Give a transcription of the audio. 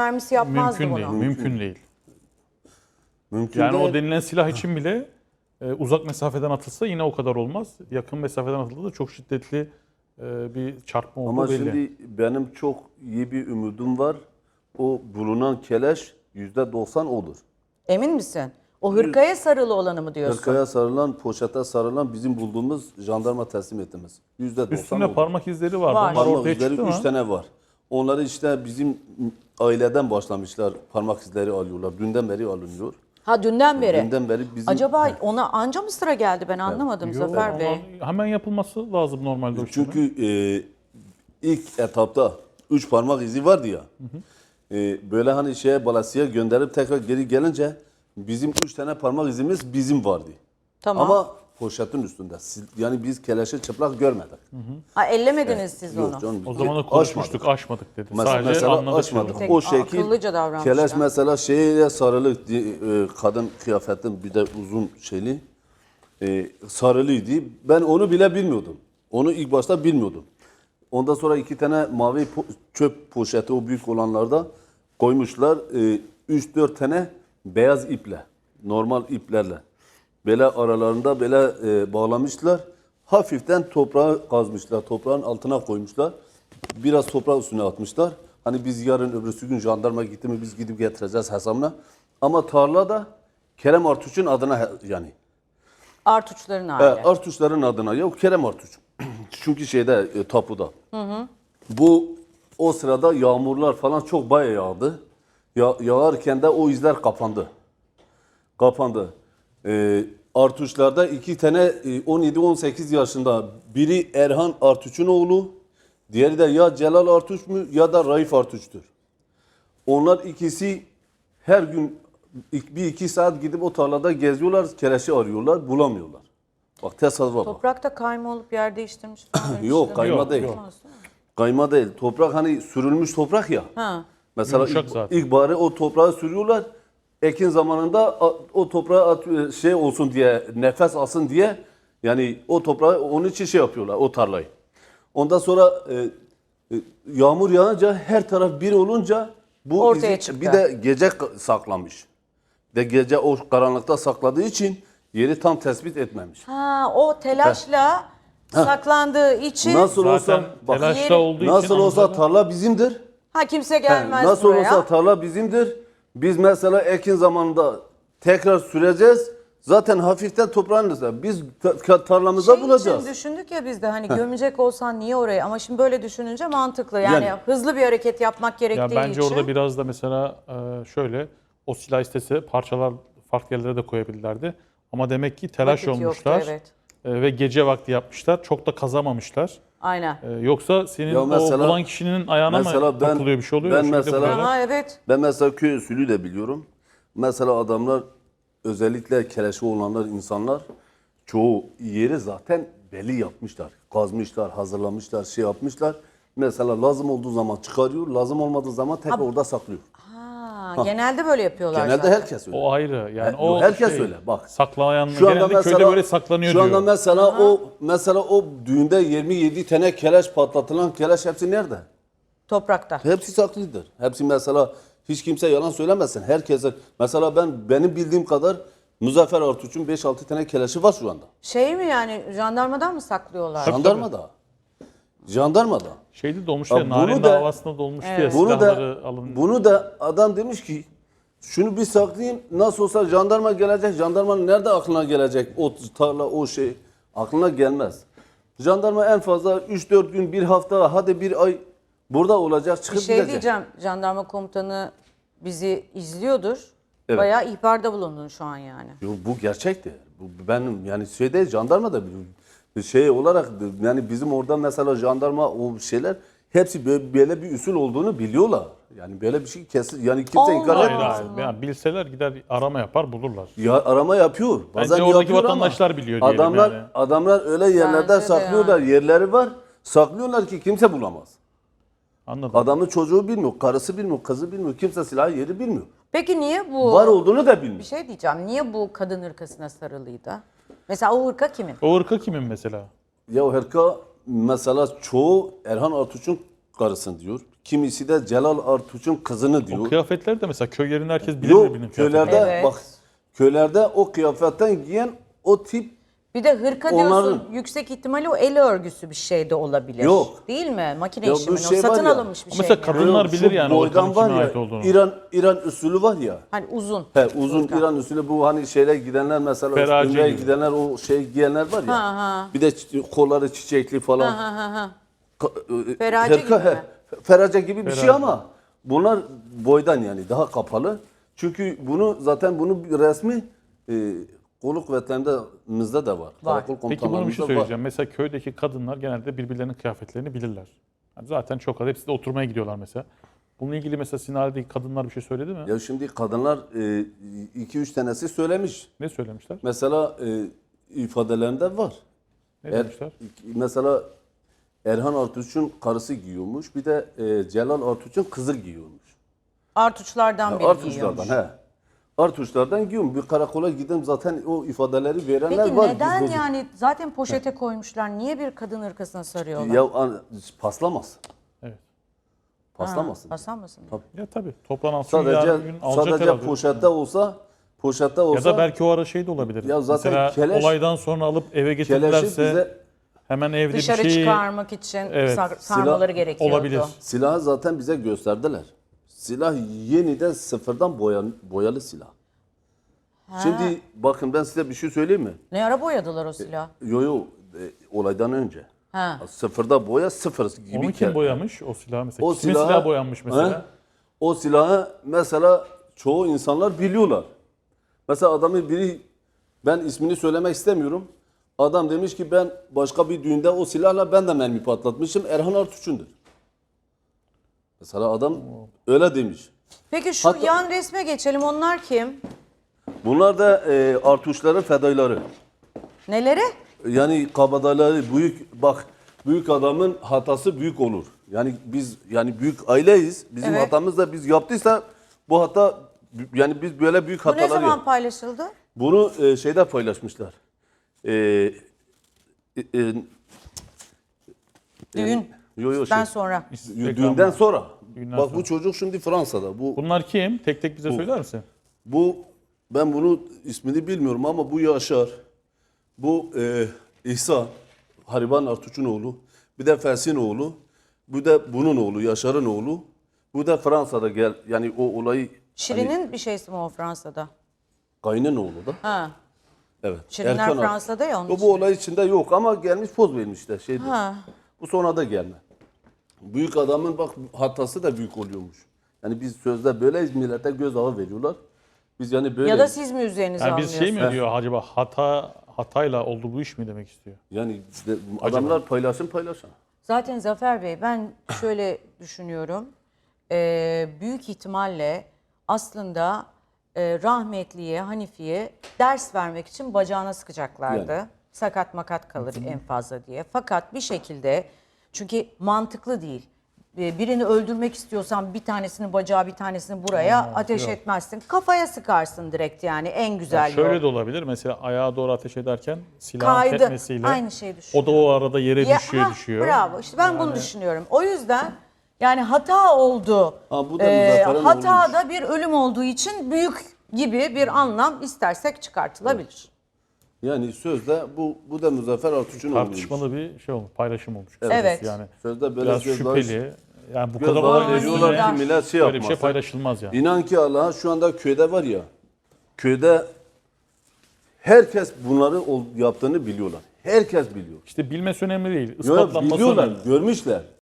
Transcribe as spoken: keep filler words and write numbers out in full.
mermisi yapmazdı Mümkün bunu. değil, mümkün değil. Mümkün Yani değil. o denilen silah için bile e, uzak mesafeden atılsa yine o kadar olmaz. Yakın mesafeden atıldığında çok şiddetli e, bir çarpma olduğu Ama belli. şimdi benim çok iyi bir umudum var. O bulunan keleş yüzde doksan odur. Emin misin? O hırkaya sarılı olanı mı diyorsun? Hırkaya sarılan, poşete sarılan bizim bulduğumuz jandarma teslim ettiğimiz. yüzde doksan Üstünde odur. parmak izleri vardı. Var. Onlar Parmak ortaya izleri çıktı üç mı? tane var. Onları işte bizim aileden başlamışlar. Parmak izleri alıyorlar. Dünden beri alınıyor. Ha dünden beri. Dünden beri bizim... Acaba ona anca mı sıra geldi ben anlamadım Yok, Zafer ama Bey. hemen yapılması lazım normalde o işlemin. Çünkü e, ilk etapta üç parmak izi vardı ya. Hı hı. E, böyle hani şeye balasiye gönderip tekrar geri gelince bizim üç tane parmak izimiz bizim vardı. Tamam. Ama poşetin üstünde. Siz- Yani biz keleşi çıplak görmedik. Ha ellemediniz siz onu. Yok canım. O zaman da Aşmadık. konuşmuştuk, aşmadık dedi. Mesela, Sadece mesela anladık. açmadık. Tek- O şekil akıllıca davranmışlar. keleş mesela şeye sarılı e, kadın kıyafetin bir de uzun şeyli e, sarılıydı. Ben onu bile bilmiyordum. Onu ilk başta bilmiyordum. Ondan sonra iki tane mavi po- çöp poşeti o büyük olanlarda koymuşlar. üç dört tane beyaz iple, normal iplerle. Böyle aralarında böyle e, bağlamışlar. Hafiften toprağı kazmışlar. Toprağın altına koymuşlar. Biraz toprağı üstüne atmışlar. Hani biz yarın öbürsü gün jandarma gitti mi biz gidip getireceğiz hesabına. Ama tarlada Kerem Artuç'un adına he- yani. Artuçların E, aile. Artuçların adına. Yok Kerem Artuç. Çünkü şeyde e, tapuda. Hı hı. Bu o sırada yağmurlar falan çok bayağı yağdı. Ya, yağarken de o izler kapandı. Kapandı. E, Artuçlarda iki tane e, on yedi on sekiz yaşında biri Erhan Artuç'un oğlu. Diğeri de ya Celal Artuç mu ya da Raif Artuç'tur. Onlar ikisi her gün bir iki saat gidip o tarlada geziyorlar, keleşi arıyorlar, bulamıyorlar. Bak tesadüfe bak. Toprakta kayma olup yer değiştirmiş falan. Yok kayma Yok, değil. yok. Kayma değil. Toprak hani sürülmüş toprak ya. Ha. Mesela Yumuşak ilk, zaten. ilk bari o toprağı sürüyorlar. Ekin zamanında a- o toprağa at- şey olsun diye, nefes alsın diye yani o toprağı onun için şey yapıyorlar o tarlayı. Ondan sonra e, e, yağmur yağınca her taraf bir olunca bu Ortaya izi- çıktı. bir de gece ka- saklamış. De gece o karanlıkta sakladığı için yeri tam tespit etmemiş. Ha o telaşla saklandığı için Nasıl Zaten olsa bak, telaşta Yeri- olduğu için nasıl olsa anladım. tarla bizimdir. ha kimse He, gelmez nasıl buraya. olsa tarla bizimdir. Biz mesela ekin zamanında tekrar süreceğiz. Zaten hafiften toprağın üstünde. Biz ta- tarlamıza Şey bulacağız. için düşündük ya biz de hani gömecek olsan niye oraya ama şimdi böyle düşününce mantıklı yani, Yani- hızlı bir hareket yapmak gerektiği Ya bence için. orada biraz da mesela e, şöyle o silah istese parçalar farklı yerlere de koyabilirlerdi. Ama demek ki telaş Vakit yoktu, olmuşlar evet. e, ve gece vakti yapmışlar. Çok da kazamamışlar. Aynen. E, yoksa senin Ya mesela- o bulan kişinin ayağına mesela mı ben- takılıyor bir şey oluyor? ben O şekilde mesela- vuruyorlar. Aha evet. Ben mesela köy usulü de biliyorum. Mesela adamlar özellikle keleşi olanlar insanlar çoğu yeri zaten belli yapmışlar. Kazmışlar, hazırlamışlar, şey yapmışlar. Mesela lazım olduğu zaman çıkarıyor, lazım olmadığı zaman tekrar orada saklıyor. Ha, genelde böyle yapıyorlar Genelde zaten. herkes öyle. O ayrı. Yani He, o yok, herkes şey, öyle, bak. Saklayan Şu anda genelde mesela köyde böyle saklanıyor Şu anda diyor. mesela o mesela o düğünde yirmi yedi tane keleş patlatılan keleş hepsi nerede? Toprakta. Hepsi saklıdır. Hepsi mesela hiç kimse yalan söylemesin. Herkese mesela ben benim bildiğim kadar Muzaffer Artuç'un beş altı tane keleşi var şu anda. Şey mi yani jandarmadan mı saklıyorlar? Jandarmada. Jandarmada. Şeyde dolmuş Ya ya, Narin bunu da- davasında dolmuş diye Bunu silahları da alın. bunu da adam demiş ki şunu bir saklayayım nasıl olsa jandarma gelecek. Jandarmanın nerede aklına gelecek o tarla o şey aklına gelmez. Jandarma en fazla üç dört gün bir hafta hadi bir ay burada olacak Bir çıkıp şey gidecek. diyeceğim. Jandarma komutanı bizi izliyordur. Evet. Bayağı ihbarda bulundun şu an yani. Yo, bu gerçekti. Bu benim yani şeyde jandarma da biliyor. Şey olarak yani bizim orada mesela jandarma o şeyler hepsi böyle, böyle bir usul olduğunu biliyorlar. Yani böyle bir şey kesin yani kimse Allah inkar Hayır etmez. hayır. Yani bilseler gider arama yapar bulurlar. Ya arama yapıyor. Bazen Bence oradaki yapıyor ama vatandaşlar biliyor diyelim adamlar, yani. Adamlar öyle yerlerde Bence de saklıyorlar. Yerleri var. Saklıyorlar ki kimse bulamaz. Anladım. Adamın çocuğu bilmiyor, karısı bilmiyor, kızı bilmiyor. Kimse silahı yeri bilmiyor. Peki niye bu... Var olduğunu da bilmiyor. Bir şey diyeceğim. Niye bu kadın hırkasına sarılıydı? Mesela o hırka kimin? O ırka kimin mesela? Ya o hırka mesela çoğu Erhan Artuç'un karısını diyor. Kimisi de Celal Artuç'un kızını O diyor. kıyafetler de mesela köy yerinde herkes bilir Yok birbirinin köylerde kıyafetlerini. Evet. bak köylerde o kıyafetten giyen o tip Bir de hırka diyorsun. Onların- Yüksek ihtimalle o el örgüsü bir şey de olabilir. Yok. Değil mi? Makine Ya bu işi mi? şey O satın var ya, alınmış bir Ama şey mesela mi? kadınlar Yok, bilir şu yani o boydan hırkanın kime var ya, ait olduğunu. İran İran usulü var ya. Hani uzun. He uzun Hırka. İran usulü bu hani şeyler gidenler mesela Ferace Ümre'ye gibi. gidenler o şey giyenler var ya. Ha, ha. Bir de çi- kolları çiçekli falan. Ha ha ha. Ka- e, Ferace hırka, gibi he, mi? Ferace gibi bir şey Ferace. ama bunlar boydan yani daha kapalı. Çünkü bunu zaten bunu bir resmi e, kolluk kuvvetlerimizde de var. Var. Karakol Peki bunu bir şey komutanlarımızda var. söyleyeceğim. Mesela köydeki kadınlar genelde birbirlerinin kıyafetlerini bilirler. Yani zaten çok az. Hepsi de oturmaya gidiyorlar mesela. Bununla ilgili mesela Sinali'deki kadınlar bir şey söyledi mi? Ya şimdi kadınlar e, iki üç tanesi söylemiş. Ne söylemişler? Mesela e, ifadelerinde var. Ne Er- demişler? mesela Erhan Artuç'un karısı giyiyormuş. Bir de e, Celal Artuç'un kızı giyiyormuş. Artuçlardan biri Artuçlardan giyiyormuş. he. Artuçlardan giyiyorum. Bir karakola gidip zaten o ifadeleri verenler Peki var. neden Biz bozuk- yani zaten poşete koymuşlar? Niye bir kadın hırkasına sarıyorlar? Ya an- paslamaz. Evet. Paslamasın. Basanmasın. Ya tabii toplanan suyu Sadece yarın gün alacak sadece herhalde. poşette olsa poşette Ya olsa da belki o ara şey de olabilir. Ya zaten mesela keleş- olaydan sonra alıp eve keleşi getirdilerse bize hemen evde Dışarı bir şey çıkarmak için Evet. sar- sarmaları gerekiyordu. olabilir. silahı zaten bize gösterdiler. Silah yeniden sıfırdan boyan, boyalı silah. Şimdi bakın ben size bir şey söyleyeyim mi? Ne ara boyadılar o silahı? Yo yo e, olaydan önce. Ha. Sıfırda boya sıfır gibi. Onu kere. kim boyamış o silahı mesela? O Kimin silahı- silahı boyanmış mesela? He? O silahı mesela çoğu insanlar biliyorlar. Mesela adamı biri ben ismini söylemek istemiyorum. Adam demiş ki ben başka bir düğünde o silahla ben de mermi patlatmışım. Erhan Artuç'undur. Mesela adam öyle demiş. Peki şu Hatta- yan resme geçelim. Onlar kim? Bunlar da e, Artuçların fedaileri. Neleri? Yani kabadayıları büyük bak büyük adamın hatası büyük olur. Yani biz yani büyük aileyiz. Bizim Evet. hatamız da biz yaptıysa bu hata yani biz böyle büyük Bu ne hatalar zaman yap- paylaşıldı? Bunu e, şeyde paylaşmışlar. E, e, e, Düğün. yo, yo, Ben şey, sonra. düğünden sonra. Düğünden Bak sonra. bu çocuk şimdi Fransa'da. Bu Bunlar kim? Tek tek bize söyler misin? bu ben bunu ismini bilmiyorum ama bu Yaşar. Bu e, İhsan. Hariban Artuç'un oğlu. Bir de Felsin oğlu. Bu da bunun oğlu, Yaşar'ın oğlu. Bu da Fransa'da gel yani o olayı Şirin'in bir şeysi mi o Fransa'da? Kayının oğlu da. Ha. Evet. Şirinler Erkan Artuç. Fransa'da ya onun O için. bu olay içinde yok ama gelmiş poz vermişler şeyde. Ha. Bu sonra da gelme. Büyük adamın bak hatası da büyük oluyormuş. Yani biz sözde böyleyiz millete gözdağı veriyorlar. Biz yani böyle Ya da siz mi üzerinize Yani biz almıyorsunuz? şey mi diyor acaba hata hatayla oldu bu iş mi demek istiyor? yani işte adamlar paylaşım paylaşan. Zaten Zafer Bey ben şöyle düşünüyorum. Ee, büyük ihtimalle aslında e, rahmetliye, Hanifi'ye ders vermek için bacağına sıkacaklardı. Yani. Sakat makat kalır en fazla diye. Fakat bir şekilde çünkü mantıklı değil. Ee, Birini öldürmek istiyorsan bir tanesini bacağı bir tanesini buraya ateş yok. etmezsin. Kafaya sıkarsın direkt yani en güzel Şöyle yol. de olabilir. Mesela ayağa doğru ateş ederken silahın Kaydı. tepmesiyle Aynı şeyi o düşünüyorum. da o arada yere Ya, düşüyor hah, düşüyor. Bravo. İşte ben bunu düşünüyorum. O yüzden yani hata oldu. Ha, bu da Ee, Muzaffer'in hata oğluymuş. da bir ölüm olduğu için büyük gibi bir anlam istersek çıkartılabilir. Yani sözde bu bu da Muzaffer Artuç'un oğluymuş. Tartışmalı bir şey olmuş, paylaşım olmuş. Evet. kısacası Yani Sözde böyle biraz gözdağı- şüpheli. Yani bu gözdağı kadar olay veriyorlar üstüne ki millet şey böyle bir şey yapmaz. paylaşılmaz yani. İnan ki Allah'a şu anda köyde var ya, köyde herkes bunları ol- yaptığını biliyorlar. Herkes biliyor. İşte bilmesi önemli değil. Yo, Ispatlanması biliyorlar, önemli. görmüşler.